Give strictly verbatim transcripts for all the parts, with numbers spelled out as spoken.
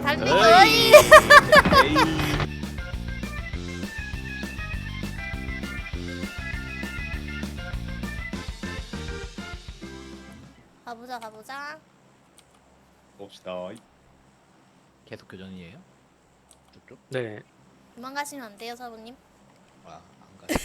달리고. 에이. 어이. 에이. 가보자 가보자. 봅시다. 계속 교전이에요? 쭉쭉? 네. 도망가시면 안 돼요 사부님. 아, 안 가.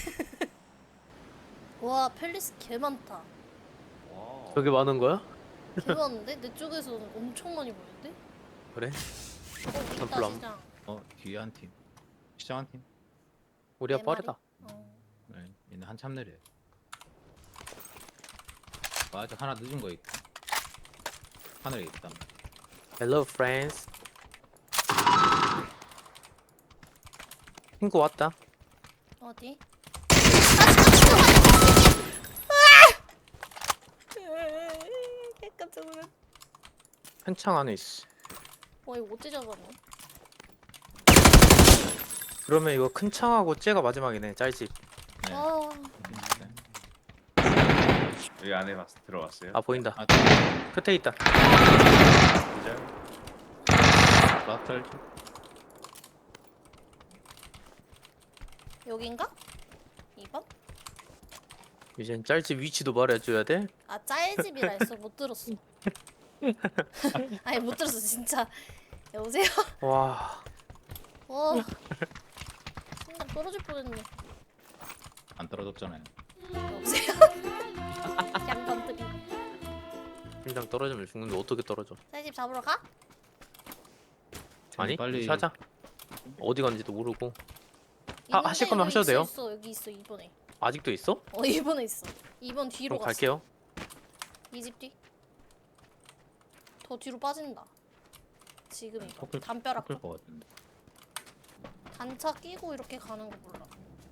와 펠리스 개 많다. 와. 저게 많은 거야? 개 많은데? 내 쪽에서 엄청 많이 보이는데? 그래? 어 있다 별로 안- 시장. 어, 뒤에 한 팀. 시장 한 팀. 우리가 네 빠르다. 어. 네, 얘는 한참 느려. 맞아, 하나 늦은 거 있다. 하늘에 있다. Hello friends. 친구 왔다. 어디? 개 깜짝 놀랐. 한창 안에 있어. 와 이거 어째 잡았네? 그러면 이거 큰 창하고 쟤가 마지막이네. 짤집. 네. 아 여기 안에 봤 들어갔어요. 아 보인다. 아, 끝에 있다. 진짜? 라틀. 여긴가? 이 번? 이젠 짤집 위치도 말해줘야 돼. 아 짤집이라 했어. 못 들었어. 아니 못 들었어 진짜. 여보세요? 와. 와 심장 떨어질 뻔했네. 안 떨어졌잖아요. 여보세요? 양반들이. 심장 떨어지면 죽는데 어떻게 떨어져? 짤집 잡으러 가? 아니 빨리 사자. 어디 간지도 모르고. 하- 있는데 하실 거면 여기 하셔도 있어, 돼요. 있어 여기 있어 이 번에. 아직도 있어? 어 이 번에 있어. 이 번 뒤로 그럼 갔어. 갈게요. 이 집 뒤. 더 뒤로 빠진다. 지금 이거 꺾을- 담벼락 꺾을 것 같은데. 단차 끼고 이렇게 가는 거 몰라.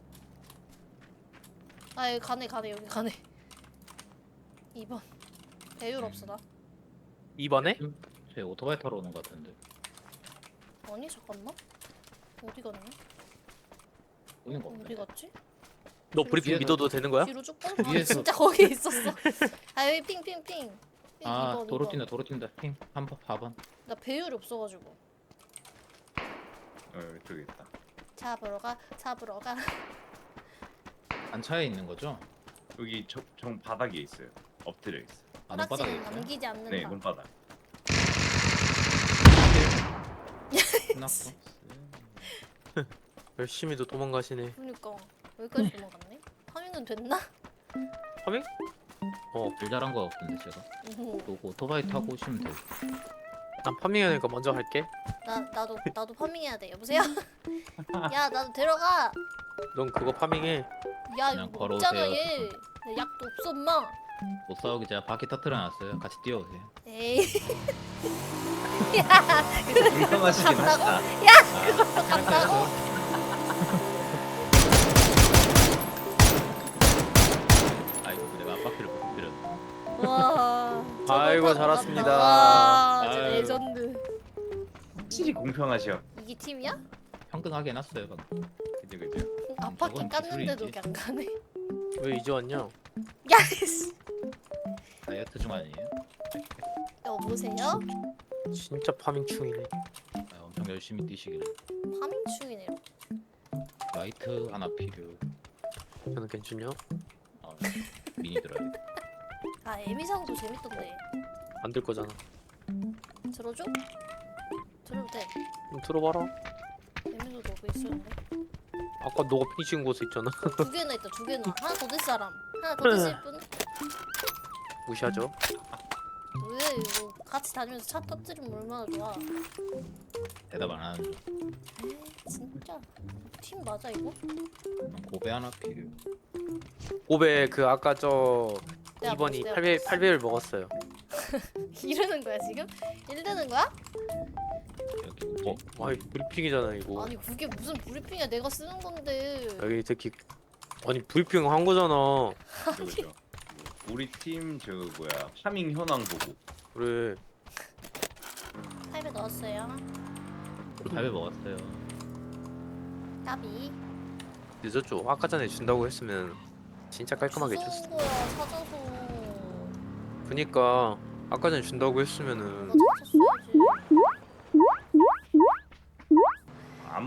아 여기 가네 가네 여기 가네. 이 번 배율 없어 나. 이번에? 제 오토바이 타러 오는 것 같은데. 아니 잠깐만. 어디 갔냐? 오는 거 어디 없네. 갔지? 너 브리핑 위에서- 믿어도 되는 거야? 뒤로 쭉 뻗어. 아, 위에서- 진짜 거기에 있었어. 아 여기 핑핑핑. 아, 이 번, 도로 이 번. 뛴다, 도로 뛴다. 팀, 한 번, 사 번. 나 배율이 없어가지고. 어, 이쪽에 있다. 잡으러 가 잡으러 가. 안차에 있는 거죠? 여기 저, 정 바닥에 있어요. 엎드려 있어. 아, 눈바닥에 허락지는 있어요? 남기지 않는다. 네, 눈바닥. 끝났어. 열심히도 도망가시네. 그러니까 여기까지 도망갔네. 파밍은 됐나? 파밍? 어, 일 잘한 거 같은데 제가. 오, 또 오토바이 타고 오시면 돼요. 난 파밍해야 되니까 먼저 갈게. 나 나도 나도 파밍해야 돼. 여보세요? 야 나도 데려가. 넌 그거 파밍해. 야 그냥 이거 걸어오세요. 없잖아 얘. 내 약도 없어 엄마. 못 싸우기 제가 바퀴 터트려 놨어요. 같이 뛰어오세요. 에이. 불편하시긴 간다고? 하다. 그거 간다고? 아이고 내가 앞바퀴를 못 터뜨렸네. 와. 저거 아이고, 타고 잘했습니다. 간다. 와, 진짜 아유. 레전드. 확실히 공평하셔. 이게 팀이야? 평등하게 해놨어요 방금. 그죠 그죠. 앞바퀴 저건 깠는데도 기술이지. 그냥 가네. 왜 이제 왔냐? 야, 씨. 다이어트 중 아니에요? 여보세요? 진짜 파밍충이네. 아, 엄청 열심히 뛰시길. 파밍 중이네요. 라이트 하나 필요. 저는 괜찮냐? 아, 미니 들어요. 아, 에미상도 재밌던데. 안 될 거잖아. 들어줘? 들어도 돼. 좀 들어봐라. 에미도 너그 있었는데. 아까 너가 핑 찍은 곳에 있잖아. 두 개나 있다, 두 개나. 하나 더 될 사람. 하나 더 드실 분? 무시하죠. 왜 이거 같이 다니면서 차 터뜨리면 얼마나 좋아. 대답 안 하는 중. 에이, 진짜. 팀 맞아, 이거? 고배 하나 필요. 오베 그 아까 저 내가 이 번이 먹었어, 팔 배 내가 팔 배를 먹었어요. 이러는 거야, 지금? 이러는 거야? 여기 뭐지? 어, 아이 브리핑이잖아 이거. 아니, 그게 무슨 브리핑이야. 내가 쓰는 건데. 여기 특히 아니 브리핑 한 거잖아. 그죠 그죠. 우리 팀 저 뭐야 파밍 현황 보고. 그래. 팔 배 넣었어요. 팔 배 먹었어요. 까비. 늦었죠. 아까 전에 준다고 했으면 진짜 깔끔하게 줬어. 무서운 거야, 찾아서. 그니까 아까 전에 준다고 했으면은 나 찾았어야지.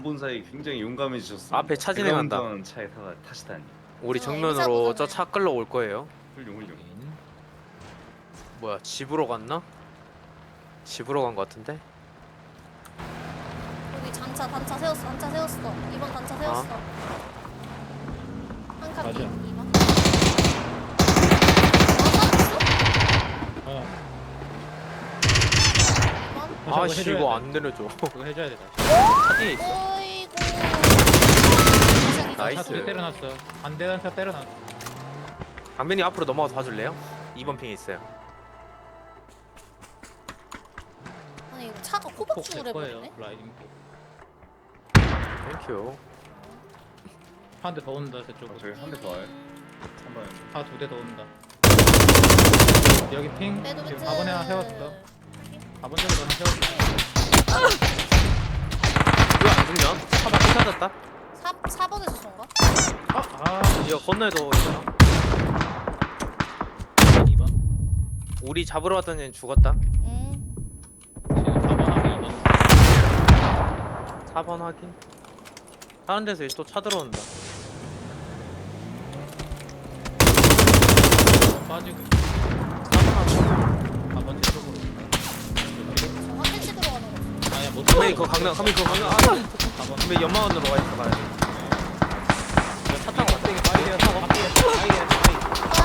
안 본 사이 굉장히 용감해지셨어요. 앞에 차 진행한다. 차에 타, 타시다니. 우리 어, 정면으로 의사보다는- 저 차 끌러 올 거예요. 훌륭 훌륭. 뭐야 집으로 갔나? 집으로 간 거 같은데? 여기 단차 단차 세웠어 단차 세웠어 이번 단차 세웠어 한 칸 맞아. 뒤 이번 어 어. 이번 아씨 해줘야 이거 돼. 안 내려줘. 그거 해줘야 돼. 차 뒤에 있어. 어이구 나이스. 차 두대 때려놨어. 반대 단차 때려놨어. 강민이 앞으로 넘어가서 봐줄래요? 이 번 핑에 있어요. 아니 이거 차가 폭 호박죽을 될 거예요. 해버리네 라이딩 폭. 땡큐. 한 대 더 온다 저쪽으로. 어, 저기 한 대 더 와요. 한 번. 차 두 대 더 온다. 여기 핑 매도 지금 비트 사 번에 하나 세웠어. 사 번 쪽에도 하나 세웠어. 왜 안 죽냐? 차 밖에 찾았다. 사, 사 번에서 쏜가? 아, 아. 이거 건너에도 있잖아. 이 번. 우리 잡으러 왔던 애는 죽었다. 응 지금 사 번하고 이 번. 사 번 확인. 다른 데서 또 차 들어온다. 빠지고. 사 번 확인. 사 번 뒤쪽으로. 저 화장실으로 가는 거 아니야 못. 강민이 그거 강남, 강민이 그거 강남. 아, 사 번. 강민이 연마원으로 가 있어 가야 돼. 이거 차 타고 왔다. 빠이야 타고. 빠이야 빠이야 빠이.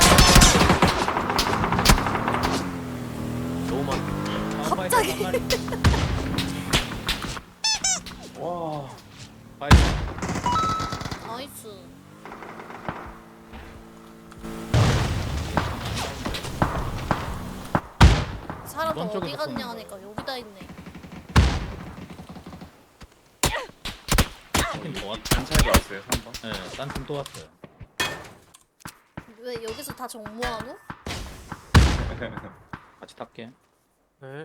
너무 많아. 갑자기. 와. 빠이. 나이스 사람 이번 어디 쪽에서 갔냐 쏘는 하니까 여기다 있네 팀더 왔. 단차게 왔어요 한 번. 네, 딴 팀 또 왔어요. 왜 여기서 다 정모하노? 같이 탈게. 네.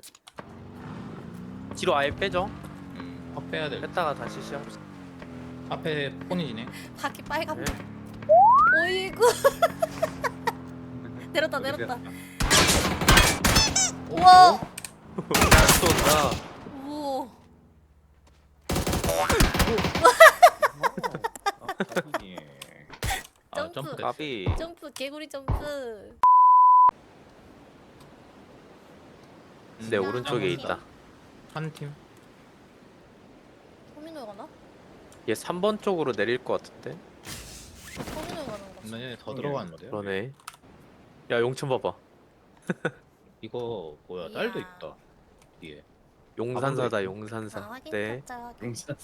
뒤로 아예 빼죠. 음, 확 빼야 돼. 뺐다가 다시 시작합시다. 앞에 폰이 지네. 바퀴 빨갛네 네. 어이구 내렸다 내렸다 우와 또 온다. 우와 예. 아, 점프. 점프 됐어. 까비. 점프 개구리 점프 네 오른쪽에 있다. 한 팀. 터미널 가나? 얘 삼 번 쪽으로 내릴 것 같은데. 터미널 가는 거지 얘네 더 들어갔는데요. 그러네. 야 용천 봐봐. 이거 뭐야? 이야. 딸도 있다. 뒤에. 용산사다 아 용산사. 확인 네. 가짜 확인 용산.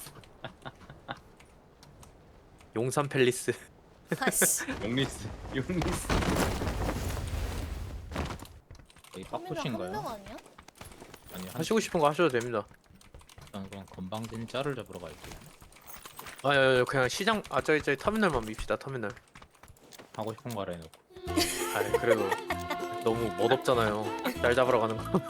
용산 팰리스. 아씨 용리스. 용리스. 여기 터미널 빡푸시인가요? 한명 아니야? 아니 한 하시고 싶은 거 하셔도 됩니다. 일단 그럼 건방진 짤을 잡으러 갈게요. 아, 야, 야, 그냥 시장 아 저기 저기 터미널만 밉시다 터미널. 하고 싶은 거 하라 해놓고. 아 그래도 너무 멋없잖아요. 날 잡으러 가는 거.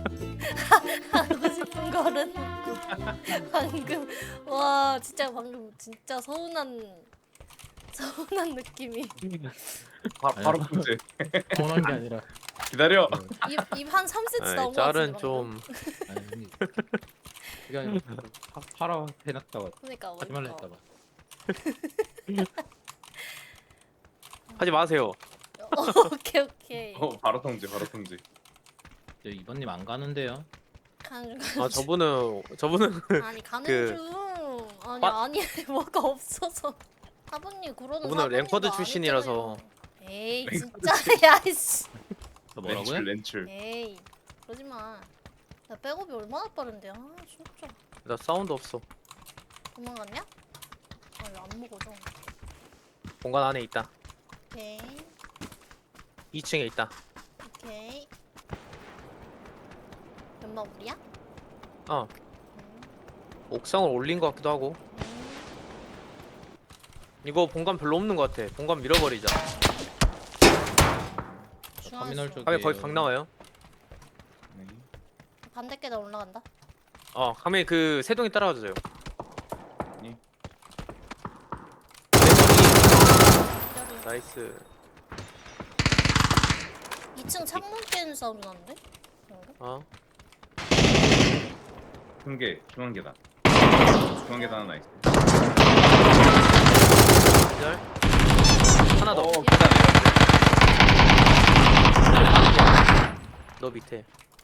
하고 싶은 거는 방금 와 진짜 방금 진짜 서운한 서운한 느낌이 바, 바로 문제. 원한 게 아니라. 기다려. 입입한 삼 센티미터 나온 아니, 거 같은데 짤은 방금. 좀 아니. 이게 아니라 파- 파라 해놨다가 그러니까 하지 말라 그러니까. 했다가. 하지 마세요. 어, 오케이 오케이 어 바로 통제 바로 통제. 저 이번님 안 가는데요? 가는 중 아 저분은 저분은 아니 가는 그- 중 아니 빠- 아니 뭐가 없어서 사부님 그러는 저분은 사부님도 랭커드 출신이라서. 아니잖아요. 에이 진짜 야이씨 저 뭐라고요? 렌출 렌출. 에이 그러지마 나 백업이 얼마나 빠른데 아 진짜 나 사운드 없어. 도망갔냐? 아니 안 먹어줘 공간 안에 있다. 오케이 이 층에 있다. 오케이 연마 우리야? 어 음, 옥상을 올린 것 같기도 하고. 음. 이거 본관 별로 없는 것 같아. 본관 밀어버리자. 터미널 쪽. 카메 거기 각 나와요. 네. 반대 계단 올라간다 어 카메 그 세동이 따라와주세요. 예. 기다려. 나이스. 이 층 창문 깨는 사운드 나는데? 그런가? 어 큰 게 중앙 계단. 중앙 중앙 계단 하나 있어. 기절. 하나 더. 어 계단 내렸네. 너 밑에.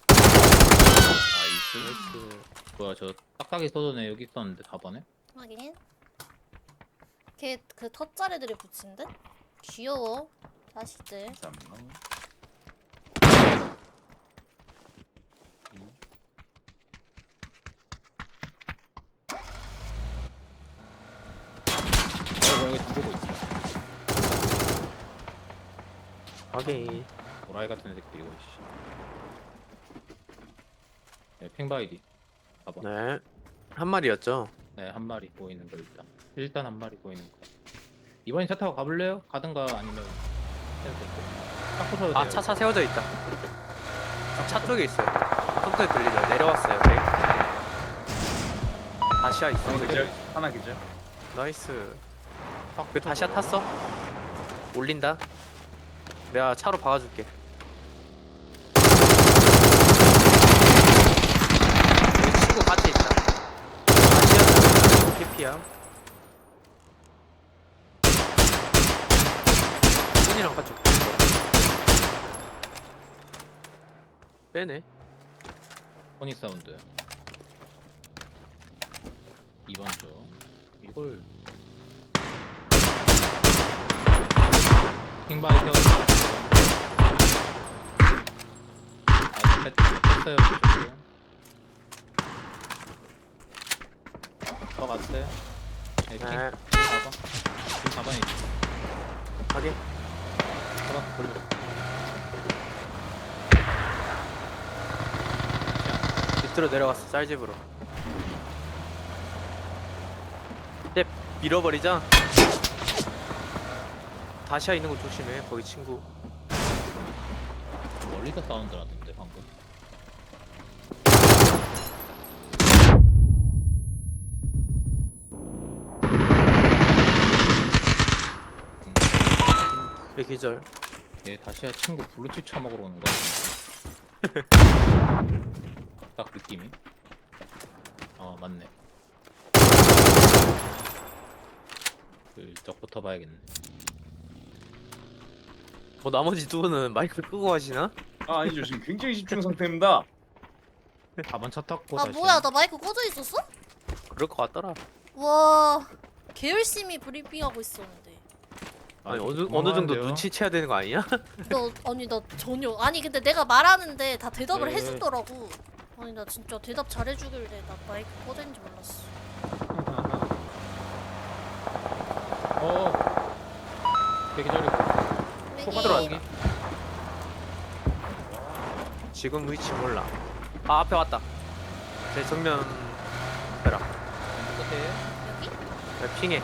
나이스. 나이스. 뭐야 저 딱딱이 쏘던 애 여기 있었는데 사 번에? 확인. 걔 그 텃자리들이 붙인 듯? 귀여워. 자식들. 감사합니다. 어 여기 죽고 있어. 확인. 도라이 같은 새끼 이거 씨. 네, 핑바이디. 봐봐. 네. 한 마리였죠. 네, 한 마리 보이는 거 일단. 일단 한 마리 보이는 거. 이번엔 차 타고 가볼래요? 가든가 아니면 해도 되고. 딱 부셔도 돼요. 아, 차 차 세워져 있다. 차 쪽에 있어요. 손소리 들리죠? 내려왔어요. 네. 다시아 있어. 하나 기절. 하나 기절. 나이스. 딱 그 다시아 탔어? 올린다. 내가 차로 박아줄게. 여기 친구 같이 있다. 다시아 캐피야. 손이랑 같이 올게. 빼네. 포닉 사운드. 이번 주 이걸 킹바이 세웠어. 아, 뺐어요. 더 갔어요. 네, 킹. 네. 사 번. 지금 사 번에 있어. 확인. 사 번 돌려. 밑으로 내려갔어. 쌀집으로. 네, 밀어버리자. 다시아 있는 거 조심해. 거기 친구. 멀리서 사운드 나던데 방금. 왜 기절? 얘 다시야 친구 블루투스 처먹으러 오는 거 같은데. 딱 느낌이. 어 맞네. 슬쩍부터 봐야겠네. 뭐 나머지 두 분은 마이크 끄고 하시나? 아 아니죠 지금 굉장히 집중 상태입니다. 사 번 차 탔고 아 다시. 뭐야 나 마이크 꺼져 있었어? 그럴 것 같더라. 와. 개 열심히 브리핑하고 있었는데. 아니 어느 어느 정도 눈치채야 되는 거 아니야? 너 아니 나 전혀 아니 근데 내가 말하는데 다 대답을 네. 해주더라고. 아니 나 진짜 대답 잘해주길래 나 마이크 꺼져 있는지 몰랐어. 어. 되게 잘했고. 여기 들어왔다. 지금 위치 몰라. 아 앞에 왔다. 제 정면 앞에라. 왼쪽 끝에. 여기? 야, 핑해.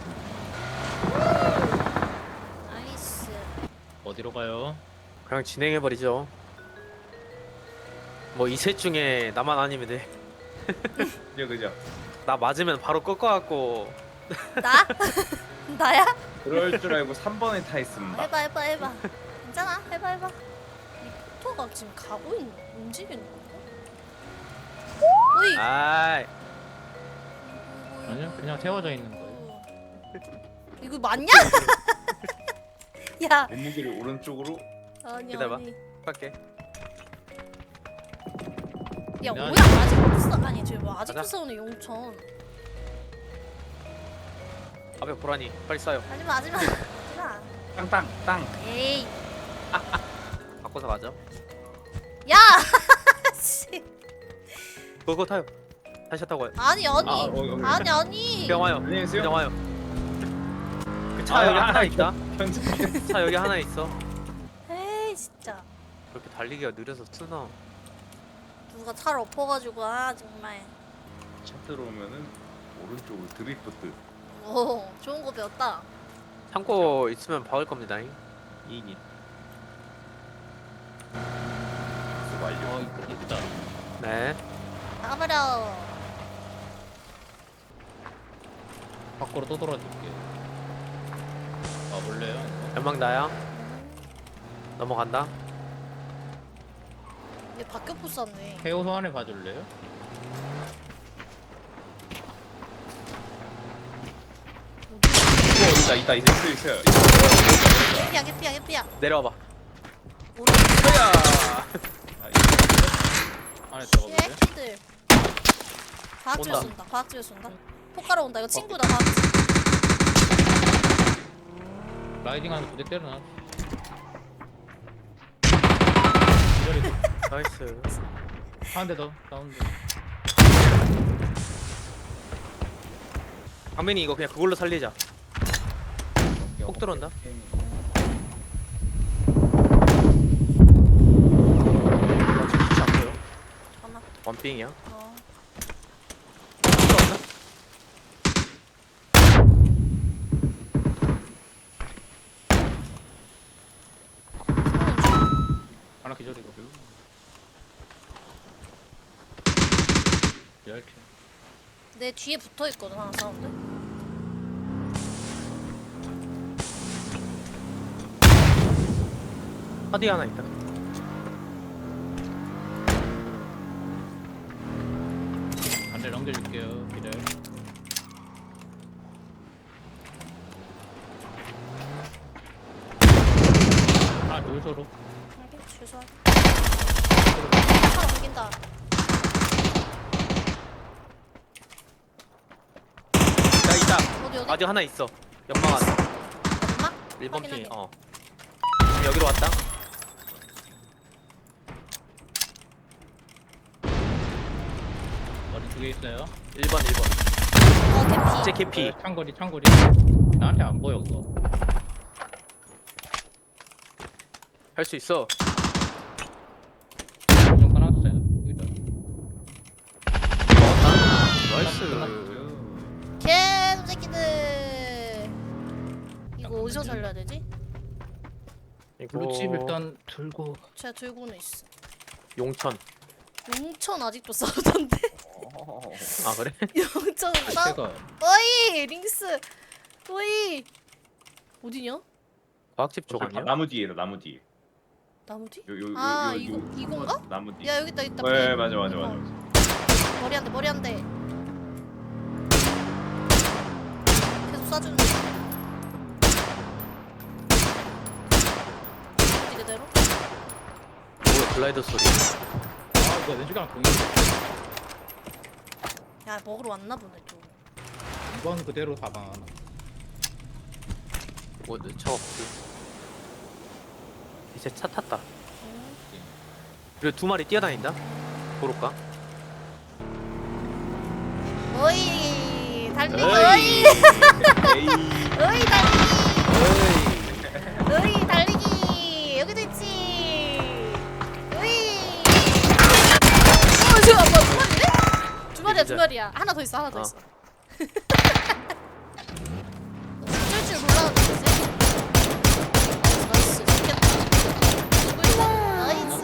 나이스. 어디로 가요? 그냥 진행해 버리죠. 뭐 이 셋 중에 나만 아니면 돼. 그죠 그죠. 나 맞으면 바로 꺾어갖고. 나? 나야? 그럴 줄 알고 삼 번에 타 있습니다. 해봐 해봐 해봐. 괜찮아 해봐 해봐. 이 포토가 지금 가고 있는 움직이는 건가? 오이. 아이. 아니요 그냥 세워져 있는 거예요. 이거 맞냐? 야 몸무게를 오른쪽으로. 아니 기다려봐. 아니. 갈게. 야 아니, 뭐야 아직도 싸 아니 저기 뭐 아직도 가자. 싸우네 용천. 앞에 보라니 빨리 쏴요. 하지마 하지마 하지마. 땅땅 땅. 에이. 바꿔서 가죠. 야. 씨. 그거 타요. 다시 타고 가요. 아니 아니 아, 어, 어, 어. 아니 아니. 그냥 와요. 안녕히 계세요. 그냥 와요. 그 차 아, 여기 아, 하나 아, 있다. 편집. 차 여기 하나 있어. 에이 진짜. 그렇게 달리기가 느려서 쓰나? 누가 차를 엎어가지고 아 정말. 차 들어오면은 오른쪽으로 드리프트. 오 좋은 거 배웠다. 창고 있으면 박을 겁니다. 이익이. 그 완료. 어 있- 있다. 네. 나가버려. 밖으로 또 돌아줄게. 와볼래요? 연막 나야. 넘어간다. 얘 바뀌어 부쌌네. 해오소 안에 봐줄래요? 있다 있다 있다 있어 있어요. 개피야 개피야 개피야. 내려와봐. 오른 야. 안에 들어가볼래? 개피들. 과학집에 온다. 쏜다. 과학집에 쏜다. 폭가러 온다. 이거 친구다. 과학집. 라이딩하는 부대 때려놔. 기다리고. 나이스. 한 대 더. 다운드. 강민이 이거 그냥 그걸로 살리자. 폭 들어온다. 하나. 나 지금 위치 안 보여. 하나. 원빙이야. 어. 들어왔나? 하나 기절이고. 열 킬. 내 뒤에 붙어 있거든 하나 사운드. 하디 하나 있다. 반대 넘겨줄게요. 기다려. 아, 노소로. 알게 취소할. 하나 옮긴다. 나 있다. 어디 어디? 아직 하나 있어. 연막 안에. 엄마? 일 번 확인하게. 핑. 어. 지금 여기로 왔다. 머리 두 개 있어요. 일 번 일 번. 어 개피. 이제 개피. 네, 창거리, 창거리. 나한테 안 보여, 그거. 할 수 있어. 좀 끊었어요. 여기다. 나이스. 개 새끼들. 이거 어디서 살려야 되지? 이거 블루칩 일단 들고. 제가 들고는 있어. 용천. 용천 아직도 싸우던데? 아 그래? 용천 싸우. 제가 어이 링스. 어이. 어디냐? 과학집 쪽 저 아니야? 나무 뒤에다 나무 뒤에. 나무 뒤? 요, 요, 요, 아, 요, 이거- 요, 이건가? 나무 뒤. 야 여기 있다 있다. 네 맞아 맞아 맞아. 어. 머리 한 대 머리 한 대. 계속 쏴주는. 어디 그대로? 뭐야 글라이더 소리. 아, 이거 왼쪽이랑 동일. 야 먹으러 왔나 보네 또. 이번 그대로 사방 하나. 뭐 저. 이제 차 탔다. 응. 그리고 두 마리 뛰어다닌다. 도로가. 어이 달리기 어이. 어이 에이. 어이 달리기 어이. 어이 달리기 여기도 있지 어이 어 지금 아빠 두 마리네? 두 마리야 두 마리야 하나 더 있어 하나 더 어. 있어 어쩔 줄 몰라가지고 나이스 좋겠다 누구 있다 나이스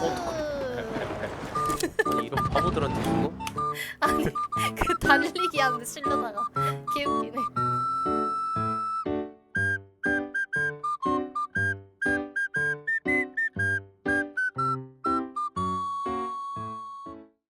아니 이런 바보들한테 주고. 아니 그 달리기 하는데 실려다가 개웃기네